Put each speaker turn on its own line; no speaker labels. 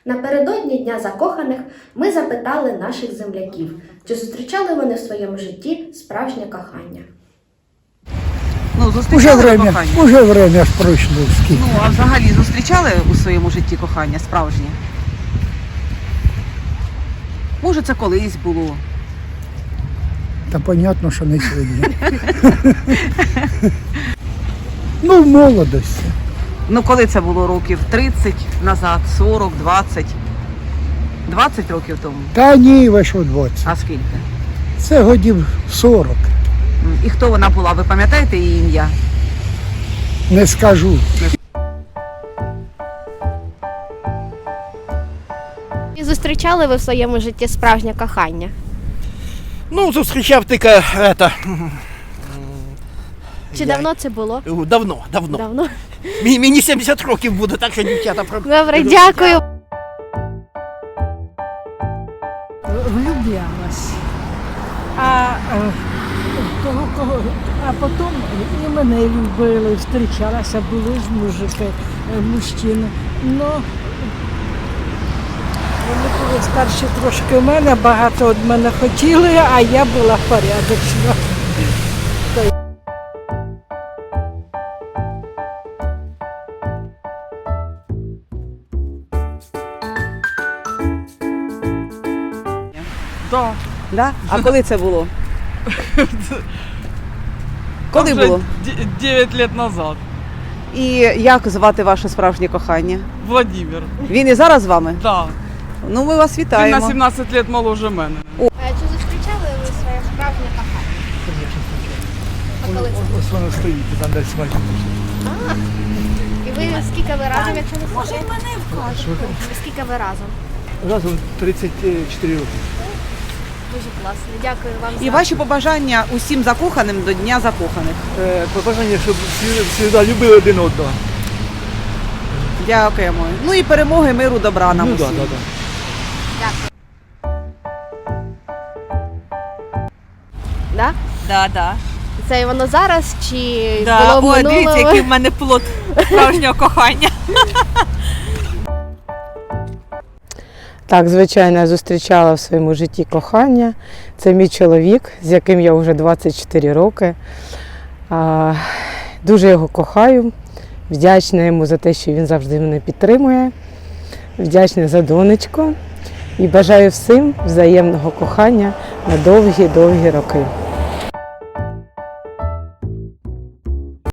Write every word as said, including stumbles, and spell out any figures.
Напередодні Дня закоханих ми запитали наших земляків, чи зустрічали вони в своєму житті справжнє кохання.
Ну,
Уже
зустрічали
время,
кохання?
уже время ж пройшло скільки.
Ну, а взагалі зустрічали у своєму житті кохання справжнє? Може, це колись було?
Та понятно, що не сьогодні. Ну, в молодості.
Ну, коли це було? Років тридцять назад, сорок, двадцять? двадцять років тому?
Та ні, ви що двадцять.
А скільки?
Це годів сорок.
М, І хто вона була? Ви пам'ятаєте її ім'я?
Не скажу.
Чи зустрічали ви в своєму житті справжнє кохання?
Ну, зустрічав тільки это,
Чи
Я-
давно це було?
давно, давно.
Давно.
Мені, мені сімдесят років буде, так що дівчата про.
Добре, дякую.
Влюблялась. А, е, того, кого, а потім і мене любили, зустрічалася, були ж мужики, е, мужчини. Ну, вони були старші трошки мене, багато від мене хотіли, а я була порядочна.
Да.
Да? А коли це було? Коли
Уже
було?
де- девять лет назад.
І як звати ваше справжнє кохання?
Владимир.
Він і зараз з вами?
Да.
Ну, ми вас
Він на
вітаємо.
сімнадцять лет моложе мене.
Чи зустрічали ви своє справжнє кохання? А коли це?
Ось воно стоїть, там десь майже.
І ви скільки ви разом, якщо не може і мене вкажете? Скільки ви разом?
Разом тридцять чотири роки.
Дуже класно. Дякую вам
І
за
ваші побажання усім закоханим до Дня закоханих.
Побажання, щоб всі завжди любили один одного.
Дякуємо. Ну і перемоги, миру, добра нам
Ну,
усім.
да, да, да.
Да?
Да, да.
Це воно зараз чи
Да.
було в
Ой, дивіться,
минулому?
який в мене плод справжнього кохання.
Так, звичайно, я зустрічала в своєму житті кохання. Це мій чоловік, з яким я вже двадцять чотири роки. А, Дуже його кохаю, вдячна йому за те, що він завжди мене підтримує, вдячна за донечку і бажаю всім взаємного кохання на довгі-довгі роки.